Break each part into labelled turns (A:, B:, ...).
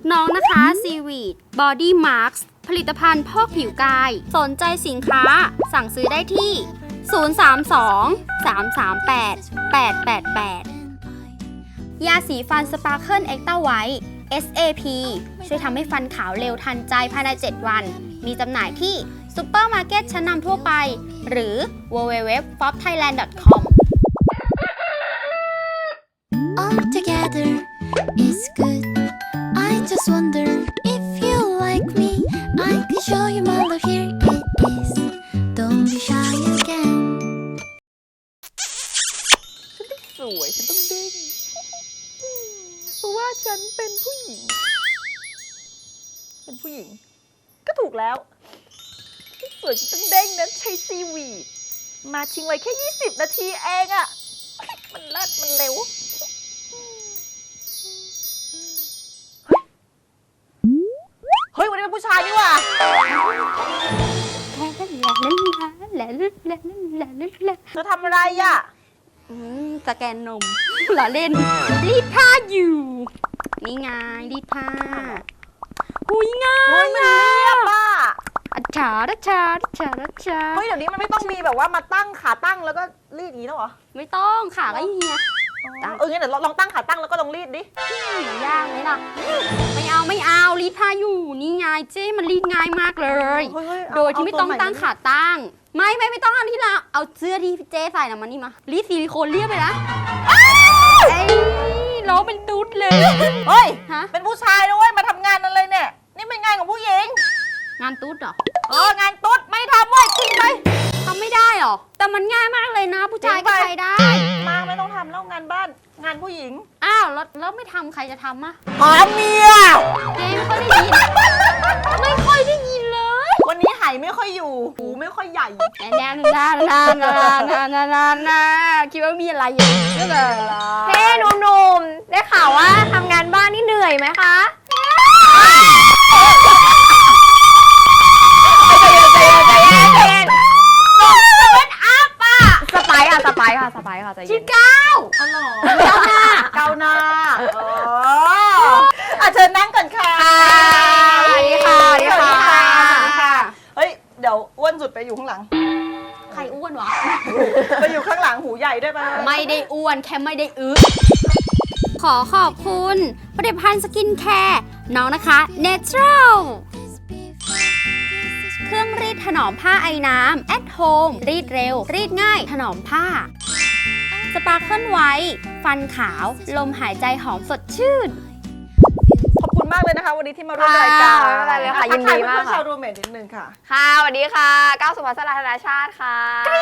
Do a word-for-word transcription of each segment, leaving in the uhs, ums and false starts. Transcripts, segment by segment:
A: น้องนะคะ Seaweed Body Marks ผลิตภัณฑ์พอกผิวกายสนใจสินค้าสั่งซื้อได้ที่ ศูนย์ สาม สอง สาม สาม แปด แปด แปด แปด ยาสีฟัน Sparkle Extra White เอส เอ พี ช่วยทำให้ฟันขาวเร็วทันใจภายใน เจ็ด วัน มีจำหน่ายที่ซุปเปอร์มาร์เก็ตชั้นนำทั่วไป หรือ ดับเบิลยู ดับเบิลยู ดับเบิลยู ดอท ฟอป ไทยแลนด์ ดอท คอม
B: All together is good. I just wonder if you like me. I can show you my love. Here it is. Don't be shy again.
C: สวยฉันต้องเด้งเพราะว่าฉันเป็นผู้หญิงเป็นผู้หญิงก็ถูกแล้วสวยฉันต้องเด้งนะใช้ซีวีดมาชิงไว้แค่ยี่สิบนาทีเองอะมันเลิศมันเร็วเฮ้ยวันนี้เป็นผู้ชายนี่หว่าเธอทำอะไรอ่ะ
A: สแกนนมหล่อเล่นรีดผ้าอยู่นี่ไงรีดผ้าหุยง่าย
C: เฮ้ยมันเรียบอ่ะ
A: อัจฉาดัชชาดัชชาดัชชา
C: เฮ้ยเดี๋ยวนี้มันไม่ต้องมีแบบว่ามาตั้งขาตั้งแล้วก็รีดอย่างนี้แล้วเหรอ
A: ไม่ต้องขาก็เฮีย
C: เอองั้นเดี๋ยวลองตั้งขาตั้งแล้วก็ลองรีดดิ
A: มันยากไหมล่ะไม่เอาไม่เอารีดผ้าอยู่นี่ไงเจ๊มันรีดง่ายมากเลย โดยที่ไม่ต้องตั้งขาตั้งไม่ไม่ไม่ต้องเอาที่เราเอาเสื้อที่เจ๊ใส่นะมันนี่มารีดซิลิโคนเรียบไปนะไอ้ล้อเป็นตุ๊ดเลย
C: เฮ้ย
A: ฮะ
C: เป็นผู้ชายนะเว้ยมาทำงานอะไรเนี่ยนี่เป็นงานของผู้หญิง
A: งานตุ๊ดเหรอ
C: เอองานตุ๊ดไม่ทำเว้ยจริงไหม
A: ทำไม่ได้หรอแต่มันง่ายมากเลยนะผู้ชายก็ใช้ได้
C: มาไม่ต้องทำแล้วงานบ้านงานผู้หญิง
A: อ้าวแล้วแล้วไม่ทำใครจะทำอะ
C: หาเมีย
A: เจ๊ไม่ค่อยได้ยินไม่ค่อยได้ยินเลย
C: วันนี้ไหไม่ค่อยอยู่หูไม่ค่อยใหญ่
A: แน่ๆนานๆนานๆนานๆนานๆคิดว่ามีอะไรอยู่ก็เลย
D: เฮ้หนุ่มๆ ได้ข่าวว่าทำงานบ้านนี่เหนื่อยไหมคะสไปค์ค่ะสไปค์ค่ะสไปค์ค่ะใจเย็น
A: ชื่อก้าว
C: อ๋อเหรอเกาหน้าเอออ่ะเชิญนั่งก่อนค่ะ
A: สวัสดีค่ะสวัสดีค่ะ
C: ค่ะเฮ้ยเดี๋ยวอ้วนสุดไปอยู่ข้างหลัง
A: ใครอ้วนวะ
C: ไปอยู่ข้างหลังหูใหญ่ได้ปะ
A: ไม่ได้อ้วนแค่ไม่ได้อึขอขอบคุณผลิตภัณฑ์สกินแคร์น้องนะคะ Natural เครื่องรีดถนอมผ้าไอ้น้ำ at home รีดเร็ว รีดง่าย ถนอมผ้า Sparkle White ฟันขาว ลมหายใจหอมสดชื่น
C: ขอบคุณมากเลยนะคะ วันนี้ที่มาร่วมรายการ
D: ไม่เป็นไรเลยค่ะยินดีมาก
C: ทัทยเพื่อนๆ
D: ค่ะ
C: ชาวรูเมทนิดนึงค่ะ
D: ค่ะสวัสดีค่ะก้าวสุภัสสราธนาชาติค่ะ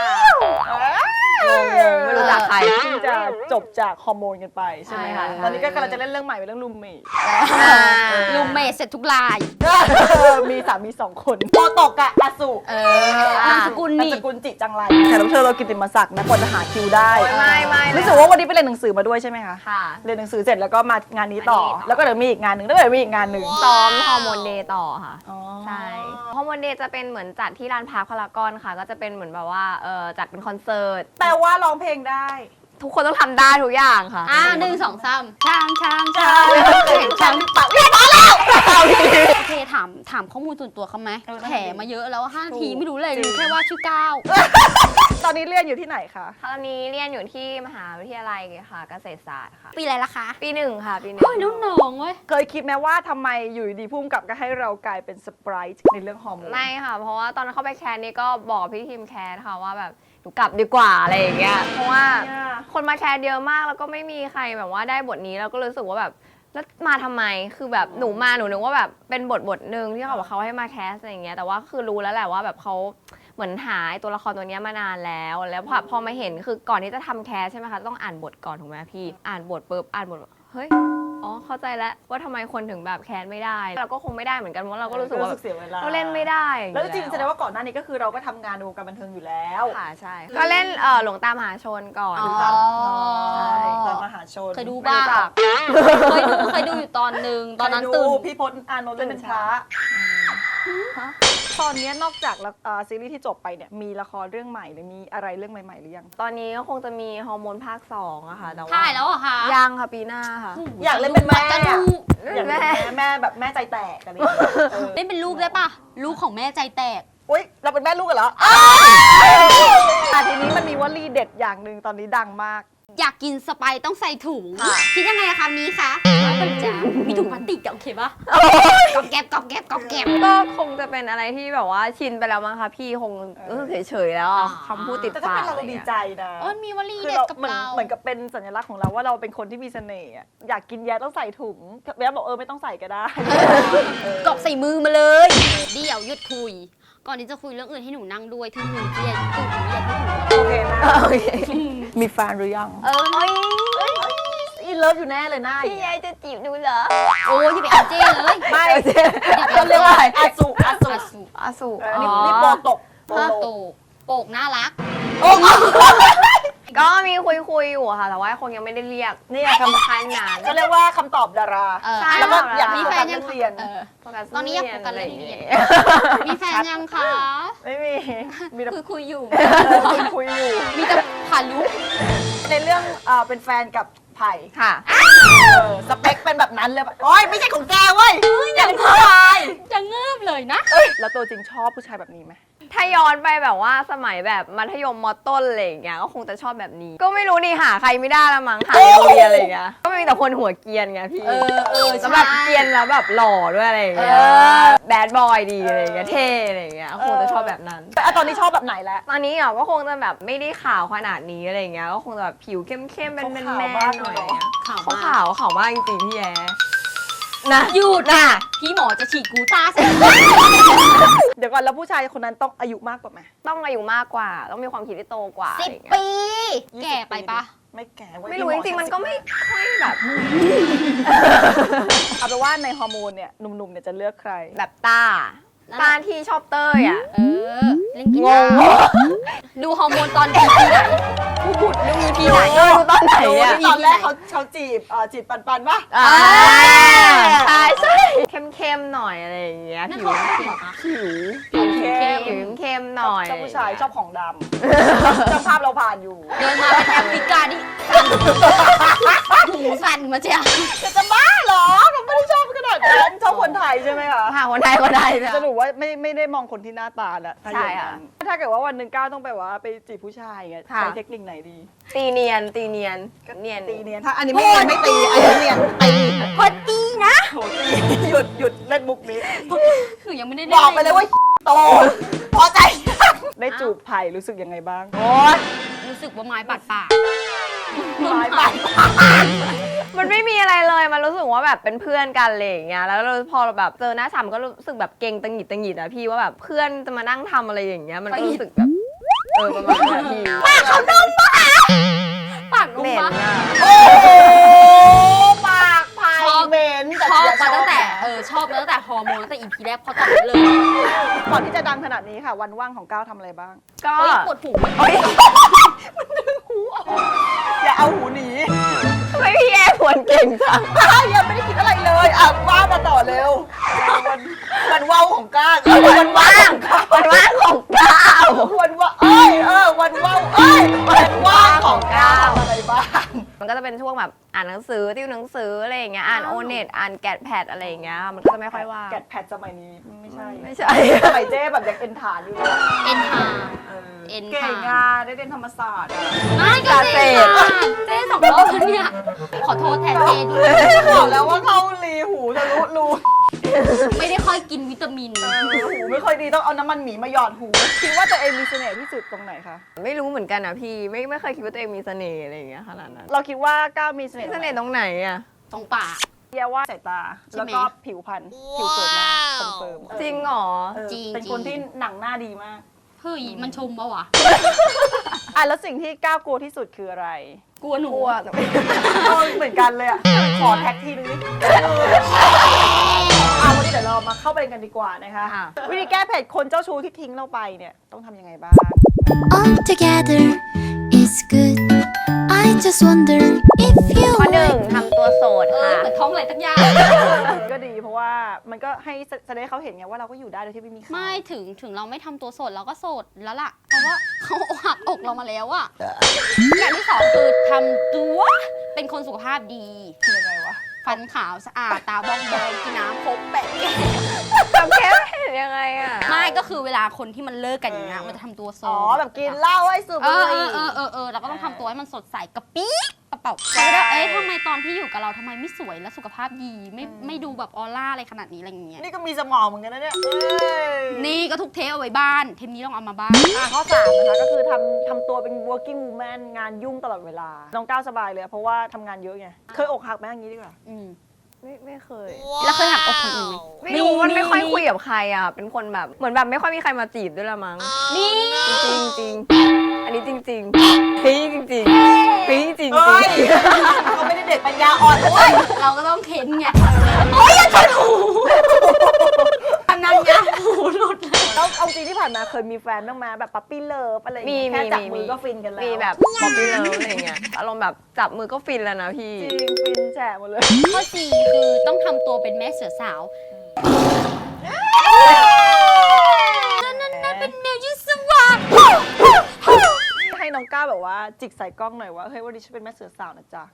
D: ไม่รู้จักใคร
C: เพิ่งจะจบจากฮอร์โมนกันไปใช่ไหม
D: ใช่
C: คะ
D: ค่ะ
C: ตอนนี้ก็กำลังจะเล่นเรื่องใหม่เป็นเรื่องรูมเมท
A: ลูมเมทเสร็จทุกลาย
C: มีสามีสองคนโมโตกะอาสุ
A: เออนามสกุล
C: นาม
A: นี่
C: สกุลจิจังไรแขกรับเชิญเรากิตติมศักดิ์นะกว่าจะหาคิวได้
D: ไม่ไม่
C: รู้สึกว่าวันนี้ไปเรียนหนังสือมาด้วยใช่ไหมคะ
D: ค่ะ
C: เรียนหนังสือเสร็จแล้วก็มางานนี้ต่อ
D: มานี่ต่อ
C: แล้วก็เดี๋ยวมีอีกงานหนึ่งแล้วเดี๋ยวมีอีกงานหนึ่ง
D: ซ้อมฮอร์โมนเดย์ต่อค่ะ
C: อ๋อ
D: ใช่ฮอร์โมนเดย์จะเป็นเหมือนจัดที่ลานพาร์คพารากอนค่ะ ก็จะเป็นเหมือนแบบว่าเออจัดเป็นคอนเสิร์ต
C: แต่ว่าร้องเพลงได้
D: ทุกคนต้องทำได้ทุกอย่างค่ะ
A: อ่าหนึ่งสองสามช้างช้าง
C: ใช่
A: ช้าง
C: ฉันปักไม่พอแล้ว
A: โอเคถามถามข้อมูลส่วนตัวเขาไหม
C: เออได้
A: แถมาเยอะแล้วห้า
C: ถูก
A: ทีไม่รู้เลยรู้แค่ว่าชื่อก้าว
C: ตอนนี้เรียนอยู่ที่ไหนคะ
D: ตอนนี้เรียนอยู่ที่มหาวิทยาลัยค่ะ เกษตรศาสตร์ค่ะ
A: ปีอะไรละคะ
D: ปีหนึ่งค่ะ ปีหนึ่ง
A: เฮ้ยน้องน้องเว้ย
C: เคยคิดไหมว่าทำไมอยู่ดีๆพุ่มกับก็ให้เรากลายเป็นสไปร์ในเรื่องฮอร์โมน
D: ไม่ค่ะ เพราะว่าตอนนั้นเข้าไปแคสนี่ก็บอกพี่ทีมแคสค่ะว่าแบบหนูกลับดีกว่าอะไรอย่างเงี้ย เพราะว่าคนมาแคสเยอะมากแล้วก็ไม่มีใครแบบว่าได้บทนี้แล้วก็รู้สึกว่าแบบแล้วมาทำไมคือแบบหนูมาหนูนึกว่าแบบเป็นบทบทหนึ่งที่เขาบอกเขาให้มาแคสอะไรอย่างเงี้ยแต่ว่าคือรู้แล้วแหละว่าแบบเขาเหมือนหาไอ้ตัวละครตัวเนี้ยมานานแล้ว แล้วพอพอมาเห็นคือก่อนที่จะทำแคสใช่ไหมคะต้องอ่านบทก่อนถูกไหมพี่อ่านบทปุ๊บอ่านบทเฮ้ยอ๋อเข้าใจแล้วว่าทำไมคนถึงแบบแคสไม่ได้เราก็คงไม่ได้เหมือนกันเพราะเราก็รู้สึกว่าแบบ
C: เสียเวลา
D: เราเล่นไม่ได้
C: แล้วจริง
D: อยู่
C: ๆแสดงว่าก่อนหน้านี้ก็คือเราก็ทำงานในวงการบันเทิงอยู่แล้ว
D: ค่ะใช่ ก็เล่นเอ่อหลวงตามหาชนก่อน
A: อ๋อ
D: ค่ะ
C: ใช่ตอนมหาชน
A: เคยดู
C: ไม่
A: บ้าง
C: รู้จัก
A: เคยดูเคยดูอยู่ตอนหนึ่งตอนนั้น
C: เคย
A: ตื่
C: ดู
A: น
C: พี่พจน์อานนท์เล่นเป็นพระตอนนี้นอกจากละอ่าซีรีส์ที่จบไปเนี่ยมีละครเรื่องใหม่หรือมีอะไรเรื่องใหม่ๆหรือยัง
D: ตอนนี้ก็คงจะมีฮอร์โมนภาคสองอะค่ะแต่ว่า
A: ถ่ายแล้วเหรอคะ
D: ยังค่ะปีหน้าค่ะ
C: อยากเล่นเป็นแม่
A: จะ
C: อะ
A: ดู
C: อยากเล่นเป็นแม่แม่แบบแม่ใจแตกอะไรอย่างเงี้ยเออ
A: เล่นเป็นลูกได้ปะลูกของแม่ใจแตก
C: อุ้ยเราเป็นแม่ลูกกันเหรออ่ะทีนี้มันมีวลีเด็ดอย่างหนึ่งตอนนี้ดังมาก
A: อยากกินสไปซ์ต้องใส่ถุง
C: ค่ะ
A: คิดยังไงอะคะนี้คะมันจะมีถุงพลาสติกอะโอเคปะกอบแกบกอบแกบกอบแกบ
D: ก็คงจะเป็นอะไรที่แบบว่าชินไปแล้วมั้งคะพี่คงรู้สึกเฉยๆแล้วอะ
A: อ่า
D: คำพูดติด
C: แต่ถ้า
D: ปาก
C: เป็นเรา
D: อะไร
C: ดี
D: เงี้ย
C: ใจนะ
A: เออมีวลี
C: คือ
A: เด็ด
C: เรา
A: กับ
C: เหมือน
A: เรา
C: เหมือนกับเป็นสัญลักษณ์ของเราว่าเราเป็นคนที่มีเสน่ห์อะอยากกินแย่ต้องใส่ถุงแย่บอกเออไม่ต้องใส่ก็ได้
A: กรอบใส่มือมาเลย เดี๋ยวหยุดคุย ก่อนที่จะคุยเรื่องอื่นให้หนูนั่งด้วยที่หนูเกลียดตุ่มเกลียดที่หนู
C: โอเคนะ
D: โอเค
C: มีแฟนหรือยัง
D: เออเฮ้ย
C: อินเลิฟอยู่แน่เลยหน้า
D: พี่ยายจะจีบดูเหรอ
A: โอ้ยอย่าไปเอาเจ้เลย
C: ไม่
D: เดี๋ยว
C: เขาเรียกว่าอาสุอาสุ
A: อาสุ
D: อาสุ
C: เออนี่นี่โปรตกโปร
A: โต
C: โล
A: โปกน่ารัก
D: ก็มีคุยคุยๆอยู่อะค่ะ แต่ว่าคงยังไม่ได้เรียก
C: เนี่ยค
D: คล้ายๆนาน
C: ำเขาเรียกว่าคำตอบดารา
A: เออ
D: ใช่
C: แล้วก็
D: ค่ะ
C: อยาก
A: มี
C: มี
A: แฟ
C: แฟ
A: น
C: น
A: ยั
C: ยัง ง
A: คะ
C: เรียน
A: เออ
D: โฟกัส
A: ตอนนี้อยาก
D: เรี
A: โฟกัสเรื่องเรียน
D: อะไร
A: มีแฟนยังคะ
C: ไม่มี มีแต่
A: คือคุยอยู่
C: คุยคุยอยู่
A: มีแต่ผ่านลุก
C: ในเรื่องเอ่อเป็นแฟนกับไผ่
D: ค่ะ
C: เออสเปคเป็นแบบนั้นเลยแบบโอ๊ยไม่ใช่ของแกเว้ยอย่างผู้ชาย
A: จะเงือบเลยนะ
C: แล้วตัวจริงชอบผู้ชายแบบนี้ไหม
D: ถ้าย้อนไปแบบว่าสมัยแบบมัธยมมต้นอะไรอย่างเงี้ยก็คงจะชอบแบบนี้ ก็ไม่รู้นี่หาใครไม่ได้ละมั้งหาในโรงเรียนอะไรอย่างเงี้ยก็มีแต่คนหัวเกรียนไงพี่
A: เออเออ
D: แล้วแบบ
A: ใช่
D: เกรียนแล้วแบบหล่อด้วยอะไรอย่างเงี้ย
A: เออ
D: แบดบอยดีอะไรอย่างเงี้ยเท่อะไรอย่างเงี้ยคงจะชอบแบบนั้น
C: แต่อ่ะตอนนี้ชอบแบบไหนแล้ว
D: ตอนนี้อ่ะก็คงจะแบบไม่ได้ขาวขนาดนี้อะไรอย่างเงี้ยก็คงจะแบบผิวเข้มๆเป็นแมน
C: ขาว
D: ๆ
C: มาก
D: หน่อย
C: เลยเหรอ
A: ข่าว
D: เขา
A: มาก
D: ขาวขาวมากจริงๆพี่แย่นะ
A: หยุดนะพี่หมอจะฉีดกูต้าใส่
C: เดี๋ยวก่อนแล้วผู้ชายคนนั้นต้องอายุมากกว่าไหม
D: ต้องอายุมากกว่า ต้องมีความคิดที่โตกว่า
A: สิบ
D: อะไรอย่างเงี้ย
A: ปี แก่ไปปะ
C: ไม่แก่เว้ย
D: ไม่รู้จริงๆมันก็ไม่ค่อยแบบ
C: เอาเป็นว่าในฮอร์โมนเนี่ยหนุ่มๆเนี่ยจะเลือกใคร
D: แบบตาตาที่ชอบเต้ยอ่ะ
A: เออ เล่นกีฬาดูฮอร์โมนตอนปีไหนพูดดูอีพีไหน
D: เออดูตอนไหน
C: ดู
D: อ่ะ
C: ที่ตอนแรกเขาเขาจีบเอ่อจีบปันปันๆปะ
D: อ่าใช่ใช่เข้มๆหน่อยอะไรอย่างเงี้ย
A: นั่น
D: ผิว
A: เขาเขียนปะ
C: ผิว
D: ผิว
C: เข้
D: เข้ม
C: ม
D: ผิวเข้มหน่อย
C: ชอบผู้ชายชอบของดำช่างภาพเราผ่านอยู่
A: เดินมาเป็นแอฟริกาดิหูสั่นมาเจ้า
C: จะจะบ้าเหรอผมไม่ได้ชอบขนาดนั้นชอบคนไทยใช่ไหมคะ
D: ค่ะคนไทยคนไทยนะ
C: สรุปว่าไม่ไม่ได้มองคนที่หน้าตาแล้วถ้าอย่าง
D: ใช่ค่ะ
C: นั้นถ้าเกิดว่าวันหนึ่งก้าวต้องไปว่าไปจีบผู้ชายไง
D: ค่ะ
C: ใช้เทคนิคไหนดี
D: ตีเนียนตีเนียนเนียน
C: ตีเนียนถ้าอันนี้ไม่เนียนไม่ตีอันนี้เนียนตี
A: พอดีนะ
C: โหตีหยุดหยุดเล่นมุกนี้
A: คือยังไม่ได้
C: บอกไปเลยว่าโตพอใจได้จูบไผ่รู้สึกยังไงบ้างโอ้ย
A: รู้สึกว่าไม้บาดปาก
C: ไม้บาด
D: มันไม่มีอะไรเลยมันรู้สึกว่าแบบเป็นเพื่อนกันอะไรอย่างเงี้ยแล้วเราพอเราแบบเจอหน้าฉ่ำก็รู้สึกแบบเก่งตังหงิดตังหงิดอะพี่ว่าแบบเพื่อนจะมานั่งทำอะไรอย่างเงี้ยมันก็รู้สึกแบบเออประมาณนั้นพี่
A: ปากเขานุ่มปะปากนุ่
D: เห
A: ม
D: ม็น
A: ปะ
D: อะ
C: โอ้ปากไผ่
A: ชอบ
C: เหม็น
A: ชอบ
C: เชียร์
A: มาตั้งแต่
C: ชอบ
A: เออชอบมาตั้งแต่ฮอร์โมนตั้งแต่อีพีแรกพอตอนนี้เลย
C: ก่อนที่จะดังขนาดนี้ค่ะ วันว่างของก้าวทำอะไรบ้าง
D: ก็
A: เฮ้ยปวดหู
D: เฮ้ย
C: อย่าเอาหูหนี
D: ทำไมพี่แอร์ผวนเก่งจัง
C: ก้าวยังไม่ได้คิดอะไรเลยอ่ะว่ามาต่อเร็ววันวันว่าวของก้าวเอ้ยวันว่าง
D: วันว่างของก้าว
C: วันว่าเอ้ยเออวันว่าวเอ้ยวันว่างของก้าวทำอะไรบ้าง
D: มันก็จะเป็นช่วงแบบอ่านหนังสือติวหนังสืออะไรอย่างเงี้ยอ่านโอเน็ตอ่านแกดแพดอะไรอย่างเงี้ยมันก็จะไม่ค่อยว่าง
C: แกดแพดสมัยนี้ไม่ใช่
D: ไม่ใช่
C: สมัยเจ๊แบบยังเอ็นฐานอยู่เลย
A: เอ็นทา
C: เออ
A: เอ็น
C: เก่
A: ค่ะ
C: งอ่ะได้เรียนธรรมศาสตร์อ่ะ
A: ไม่ก็เจ๊ค่ะเจ๊สองรอบแล้วเนี่ย ขอโทษแทนเจ๊ด้วย
C: บอกแล้วว่าเข้ารีหูทะลุรู
A: ไม่ได้ค่อยกินวิตามิน
C: เออหูไม่ค่อยดีต้องเอาน้ำมันหมีมาหยอดหูคิดว่าตัวเองมีเสน่ห์ที่สุดตรงไหนคะ
D: ไม่รู้เหมือนกันอ่ะพี่ไม่ไม่เคยคิดว่าตัวเองมีเสน่ห์อะไรอย่างเงี้ยขนาดนั้น
C: เราคิดว่าก้าวมีเสน่
D: มี
C: ห์
D: เสน่ห์ตรงไหนอ่ะ
A: ตรงปาก
C: เรียกว่าสายตา
A: ใช่ไหม
C: แล้วก็ผิวพรรณผิวสวยมากคอนเฟิร์ม
D: จริงเหรอ
C: เออ
A: จริง
C: เป็นคนที่หนังหน้าดีมาก
A: เฮ้ยมันชมปะวะ
C: อ่ะแล้วสิ่งที่ก้าวกลัวที่สุดคืออะไร
A: กลัวหนู
D: กลัว
C: เออเหมือนกันเลยอ่ะขอแท็กทีนึงดิเอาวันนี้เดี๋ยวเรามาเข้าประเด็นกันดีกว่านะคะ
D: ค่ะ
C: วิธีแก้เผ็ดคนเจ้าชู้ที่ทิ้งเราไปเนี่ยต้องทำยังไงบ้าง
B: All together is good. I just wonder if you
D: ข้อหนึ่ง
B: like
D: ทำตัวโสด
A: เออ
D: ค่ะ
A: เหมือนท้องอะไรตั้งยาก
C: ก็ดีเพราะว่ามันก็ให้แสดงให้เขาเห็นไงว่าเราก็อยู่ได้โดยที่ไม่มีเขา
A: ไม่ถึงถึงเราไม่ทำตัวโสดเราก็โสดแล้วล่ะ เพราะว่าเขาหักอกเรามาแล้วอะอย่างที่สองคือทำตัวเป็นคนสุขภาพดี
C: คือยังไงวะ
A: ฟันขาวสะอาดตาบองบองกินน้ำครบแปะแก้ว
D: ทำแค่เห็นยังไงอ่ะ
A: ไม่ก็คือเวลาคนที่มันเลิกกันอย่างเงี้ยมันจะทำตัวโสด
C: อ๋อแบบกินเหล้าให้สูบ
A: เอ
C: บุห
A: อ
C: รี่
A: เออเออเออเราก็ต้องทำตัวให้มันสดใสกระปี้กระเป๋าใช่เอ๊ะทำไมตอนที่อยู่กับเราทำไมไม่สวยและสุขภาพดีไม่ไม่ดูแบบออร่าอะไรขนาดนี้อะไรอย่างเงี้ย
C: นี่ก็มีสมองเหมือนกันนะเนี่ยเอ้ย
A: นี่ก็ทุกเทปเอาไว้บ้าน เทปนี้ต้องเอามาบ้าน
C: อ่ะข้อสามนะคะก็คือทำทำตัวเป็น working woman งานยุ่งตลอดเวลา น้องก้าวสบายเลยเพราะว่าทำงานเยอะไง เคยอกหักไหมอย่างนี้ดีกว่า
A: อืม
D: ไม่ไม่เคย
A: แล้วเคยหักอกคนอื่นไหม
D: ไม่รู้มัน
A: มี
D: ไม่ค่อย
A: มี
D: คุยกับใครอ่ะ เป็นคนแบบเหมือนแบบไม่ค่อยมีใครมาจีบด้วยละมั้ง
A: นี่
D: จริงจริงๆอันนี้จริงจริงๆพี่จริงจริงๆพี่จริงจ
C: เฮ้
D: ริ
C: ย
D: ง
C: เขาไม่ได้เด็กปัญญาอ่อนด้วย
A: เราก็ต้องเค้นไงโอ้ยอย่าชนหูทำนั้นไงหูหลุดเลย
C: แล้วเอาจริงที่ผ่านมาเคยมีแฟนบ้างไหมแบบปั๊ปปี้เลิฟอะไรอย่าง
D: มี
C: เงี้ยแค่
D: มี
C: จับ
D: มี
C: มือก็ฟินกันแล้ว
D: มีแบบบ๊อบบี้เลิฟอะไรเงี้ยอารมณ์แบบจับมือก็ฟินแล้วนะพี่
C: จริงฟินแฉะหมดเลย
A: ข้อสี่คือต้องทำตัวเป็นแม่เสือสาวนั่นนั่นเป็นแมวยุสวา
C: ให้น้องก้าวแบบว่าจิกใส่กล้องหน่อยว่าเฮ้ยวันนี้ฉันเป็นแม่เสือสาวนะจ๊ะ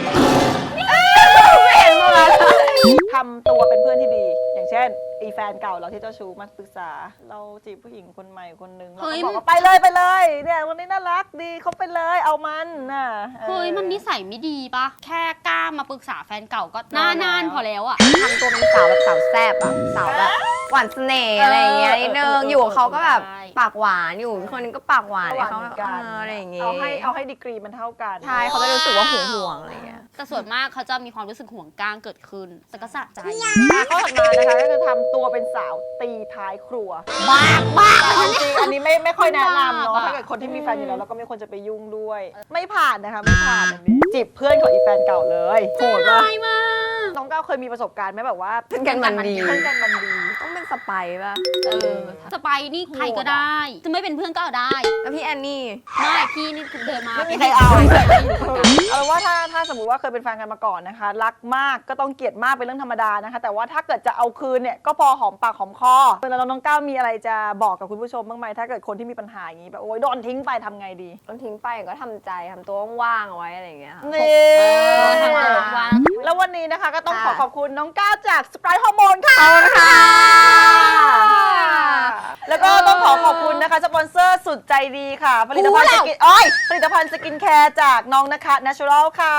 C: ทำตัวเป็นเพื่อนที่ดี อย่างเช่นอีแฟนเก่าเราที่เจ้าชู้มาปรึกษา เราจีบผู้หญิงคนใหม่คนหนึ่งเราก็บอกว่าไปเลยไปเลยเนี่ยวันนี้น่ารักดีเขาไปเลยเอามันน่ะออ
A: เฮ้ยมันนิสัยไม่ดีปะแค่กล้ามาปรึกษาแฟนเก่าก็นานานๆพอแล้วอะ
D: ทำตัวเป็นสาวแบบสาวแซ่บอะสาวแบบหวานเสน่ห์อะไรอย่างเงี้ยนิดนึงอยู่กับเขาก็แบบปากหวานอยู่คนนึงก็ปากหวาน
C: ระหว่าง
D: เขา
C: เหมือน
D: เอ
C: กัน
D: ออะไรอย่างเงี้ย
C: เอาให้เอาให้ดีกรีมันเท่ากัน
D: ใช่เขาจะรู้สึกว่าห่วงห่วงๆอะไรอย่างเงี้ย
A: แต่ส่วนมากเขาจะมีความรู้สึกห่วงก้างเกิดขึ้นแต่ก็สะใจ
C: อ่ะข้อถัดมานะคะก็คือทำตัวเป็นสาวตีท้ายครัว
A: บ้าบ้า
C: แต่เอาจริงอันนี้ไม่ไม่ค่อยแนะนำเนาะ
A: บ้า
C: ถ้าเกิดคนที่มีแฟนอยู่แล้วเราก็ไม่ควรจะไปยุ่งด้วย ไม่ผ่านนะคะไม่ผ่านอันนี้จีบเพื่อนของอีแฟนเก่าเลยโหดปะ
A: ไม่มาก
C: น้องก้าวเคยมีประสบการณ์ไหมแบบว่า
D: เพื่อนกันมันดี
C: เพื่อนกันมันดี
D: ต้องเป็นสไปร์ป่ะ
A: เออสไปร์นี่ใครก็ได้ จะไม่เป็นเพื่อนก็เอาได้
D: แล้วพี่แอนนี่
A: ไม่พี่นี่เดินมา
C: ไม่มีใครเอา
A: ไม่เคยได้อยู่เหมือนกัน
C: เอาเป็นว่าถ้าถ้าสมมติว่าเคยเป็นแฟนกันมาก่อนนะคะ รักมากก็ต้องเกลียดมากเป็นเรื่องธรรมดานะคะ แต่ว่าถ้าเกิดจะเอาคืนเนี่ยก็พอหอมปากหอมคอแล้วน้องก้าวมีอะไรจะบอกกับคุณผู้ชมบ้างไหมถ้าเกิดคนที่มีปัญหาอย่างนี้แบบโอ๊ยโดนทิ้งไปทำไงดี
D: ต้องทิ้งไปก็ทำใจทำตัวว่างๆเอาไว้อะไรอย่างเงี้ยค่ะ
C: นี่
A: เออทำตัววาง
C: แล้ววันนี้นะคะก็ต้องขอ
D: ค่ะ
C: ขอบคุณน้องก้าวจากสไปร์ฮอร์โมนค่ะ
D: ค่ะ
C: แล้วก็ต้องขอขอบคุณนะคะสปอนเซอร์สุดใจดีค่ะ ผลิตภัณฑ์สกินอ้อยผลิตภัณฑ์สกินแคร์จากน้องนะคะ Natural ค่ะ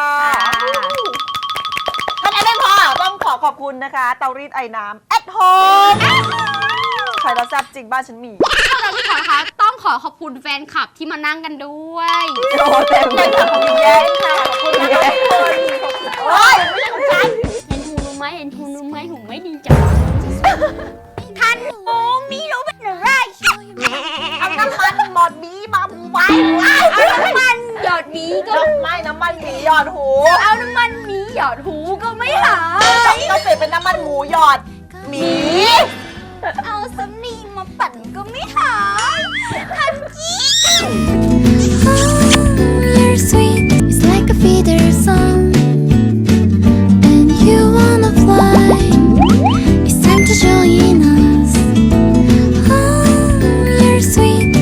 C: เท่านั้นไม่พอต้องขอขอบคุณนะคะเตารีดไอ้น้ำ at home ใครเราแซ่บจริงบ้านฉันมี
A: เราที่ขอนะคะต้องขอขอบคุณแฟนคลับที่มานั่งกันด้วย
C: โอ้เต็มเลยค่ะขอบคุณแย้งค่ะขอบคุณนะคะทุกคนโอ้ยไม่ใช่ของฉัน
A: เห็นหูรู้ไหมเห็นหูรู้ไหมหูไม่ดีจังท่านโอ้มีรู้เป็นอะไร
C: เอาน้ำมันหมดบีมาไว้
A: เอาน้ำมันหยอดหมีก็
C: ไม่น้ำมันหมีหยอดหู
A: เอาน้ำมันหมีหยอดหูก็ไม่หาย
C: ต้องเปลี่ยนเป็นน้ำมันหมูหยอดหมี
A: เอา